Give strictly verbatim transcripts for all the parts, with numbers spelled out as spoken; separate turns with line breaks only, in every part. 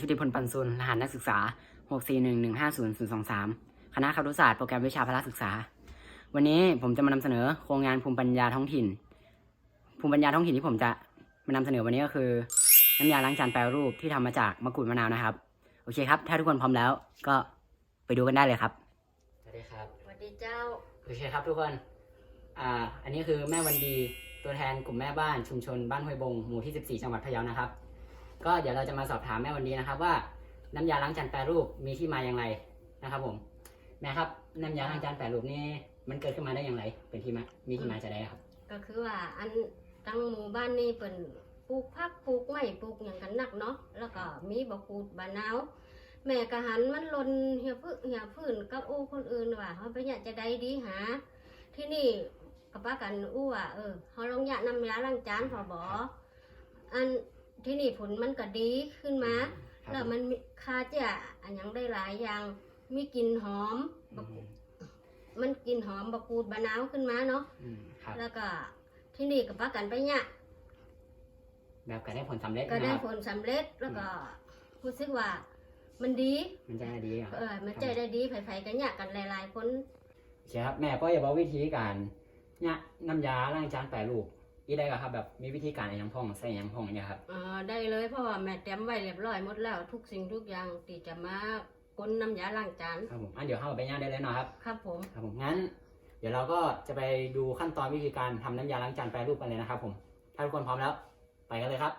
ชุติพลปันซุลรหัสนักศึกษา หก สี่ หนึ่ง หนึ่ง ห้า ศูนย์ ศูนย์ สอง สาม คณะครุศาสตร์โปรแกรมวิชาพละศึกษาวันนี้ผมจะมานำเสนอโครงงานภูมิปัญญาท้องถิ่นภูมิปัญญาท้องถิ่นที่ผมจะมานำเสนอวันนี้ก็คือน้ำยาล้างจานแปรรูปที่ทำมาจากมะกรูดมะนาวนะครับโอเคครับถ้าทุกคนพร้อมแล้วก็ไปดูกันได้เลยครับสวัสดีครับ
สวัสดีเจ้า
โอเคครับทุกคนอ่าอันนี้คือแม่วันดีตัวแทนกลุ่มแม่บ้านชุมชนบ้านห้วยบงหมู่ที่สิบสี่จังหวัดพะเยานะครับก็เดี๋ยวเราจะมาสอบถามแม่วันดีนะครับว่าน้ำยาล้างจานแปรรูปมีที่มาอย่างไรนะครับผมแม่ครับน้ำยาล้างจานแปรรูปนี่มันเกิดขึ้นมาได้อย่างไรเป็นที่มามีที่มาจะได้ครับ
ก็คือว่าอันตั้งหมู่บ้านนี่เป็นปลูกผักปลูกไม้ปลูกอย่างกันนักเนาะแล้วก็มีบะกูดบะนาวแม่กะหันมันลนเหี่ยพื้นเหี่ยพื้นกับอู้คนอื่นว่าเขาไปอยากจะได้ดีหาที่นี่กับป้ากันอู้ว่าเออเขาลองอยากน้ำยาล้างจานพอบออันที่นี่ผลมันก็ดีขึ้นมาแล้วมันคาจะอันยังได้หลายอย่างมีกลิ่นหอมมันกลิ่นหอมบะกูดบะนาวขึ้นมาเนาะแล้วก็ที่นี่กับป้ากันไปเนี่ย
แบบก็ได้ผลสำเร็จ
ก็ได้ผลสำเร็จแล้วก็รู้สึกว่ามันดี
มันจะได้ดี
เออมันจะได้ดีไผ่ๆกันเนี่ยกันหลายๆคน
ใช่ครับแม่ก็อย่าบอกวิธีการเนี่ยน้ำยาล้างจานแปรรูปอีได้ก็ครับแบบมีวิธีการอย่างพ่องใส่อย่างพ่องเนี่ยครับ
อ่าได้เลยเพราะว่าแม่เตรียมไว้เรียบร้อยหมดแล้วทุกสิ่งทุกอย่างที่จะมาก้นน้ำยาล้างจาน
ครับผมอันเดี๋ยวเข้าไปย่างได้เลยเนาะครับ
ครับผม
ครับผมงั้นเดี๋ยวเราก็จะไปดูขั้นตอนวิธีการทำน้ำยาล้างจานแปรรูปกันเลยนะครับผมถ้าทุกคนพร้อมแล้วไปกันเลยครับ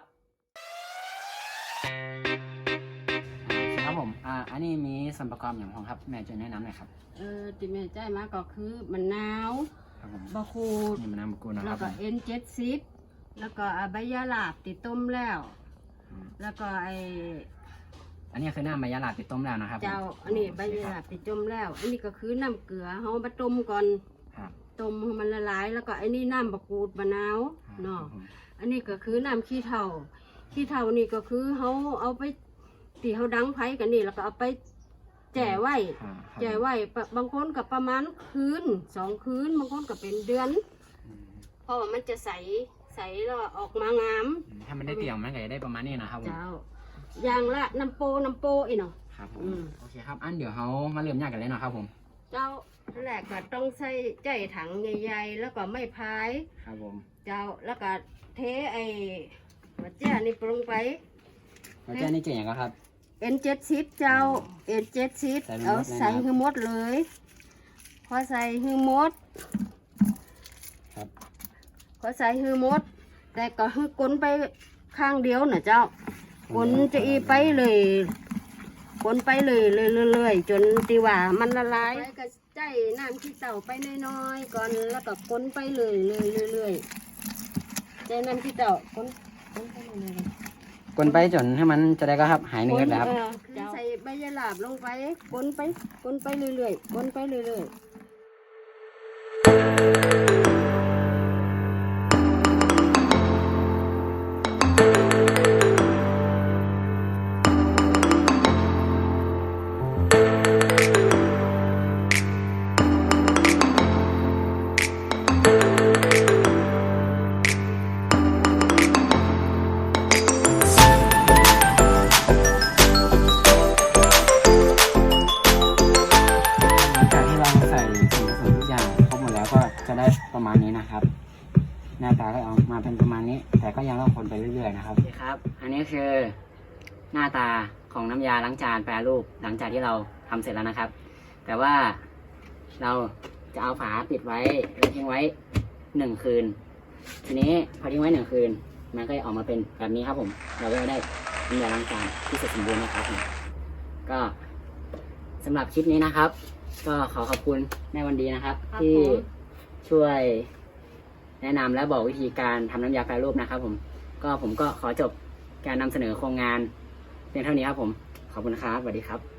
ครับผมอ่าอันนี้มีส่วนประกอบอย่างของครับแม่จะแนะนำหน่อยครับ
เออที่แม่ใจมาก็คือมะนาวบะคูด
นี่มะนาวบะคูดนะครับ
แล้วก็เอ็นเจ็ดสิบแล้วก็ใบยาลาบติดต้มแล้วแล้วก็ไอ
อันนี้คือน้ำใบยาลาบติดต้มแล้วนะครับ
เจ้าอันนี้ใบยาลาบติดต้มแล้วอันนี้ก็คือน้ำเกลือเขามาต้มก่อนต้มให้มันละลายแล้วก็อันนี้น้ำบะกูดมะนาวเนาะอันนี้ก็คือน้ำขี้เถ้าขี้เถ้านี่ก็คือเขาเอาไปตีเขาดังไผ่กันนี่แล้วก็เอาไปแจ่ไว้แจ่ไว้บางคนกับประมาณคืนสองคืนบางคนกับเป็นเดือนเพราะว่ามันจะใสใสแล้วออกมางาม
ถ้ามันได้เตี่ยมมันก็จะได้ประมาณนี้นะครับ
เจ้าอย่างละน้ำโปน้ำโปอีเนาะ
ครับผมโอเคครับอันเดี๋ยวเขามาเริ่มยากกันเลยเนาะครับผม
เจ้าแรกก็ต้องใส่ใจถังใหญ่ๆแล้วก็ไม่พาย
ครับผม
เจ้าแล้วก็เทไอ้หัวเจ้านี่ลงไป
หัวเจ้านี่เจ๋งก็ครับ
เอ็นเจ็ดสิบเจ้าเอ็นเจ็ดสิบเอาใส่หือมดเลยพอใส่หือมด
ครับ
พอใส่หือมดแต่ก็หือกลนไปข้างเดียวนะเจ้ากลนจะอีไปเลยกลนไปเลยเรื่อยๆจนตีว่ามันละลายก็ใจน้ำขี้เต่าไปน้อยๆก่อนแล้วก็กลนไปเลยเรื่อยๆใจน้ำขี้เต่ากลนกลนไปเลย
กลนไปจนให้มันจะได้ก็ครับหายเนื้อแล้วครับ
ใส่ใบยาลาบลงไปกลนไปกลนไปเรื่อยๆกลนไปเรื่อยๆ
จะได้ประมาณนี้นะครับหน้าตาก็ออกมาเป็นประมาณนี้แต่ก็ยังต้องคนไปเรื่อยๆนะครับนี่ครับอันนี้คือหน้าตาของน้ำยาล้างจานแปรรูปหลังจากที่เราทำเสร็จแล้วนะครับแต่ว่าเราจะเอาฝาปิดไว้แล้วทิ้งไว้หนึ่งคืนทีนี้พอทิ้งไว้หนึ่งคืนมันก็จะออกมาเป็นแบบนี้ครับผมเราก็ได้น้ำยาล้างจานที่เสร็จสมบูรณ์นะครับผมก็สำหรับคลิปนี้นะครับก็ขอขอบคุณแม่วันดีนะครับที่ช่วยแนะนำและบอกวิธีการทำน้ำยาแปรรูปนะครับผมก็ผมก็ขอจบการนำเสนอโครงงานเพียงเท่านี้ครับผมขอบคุณครับสวัสดีครับ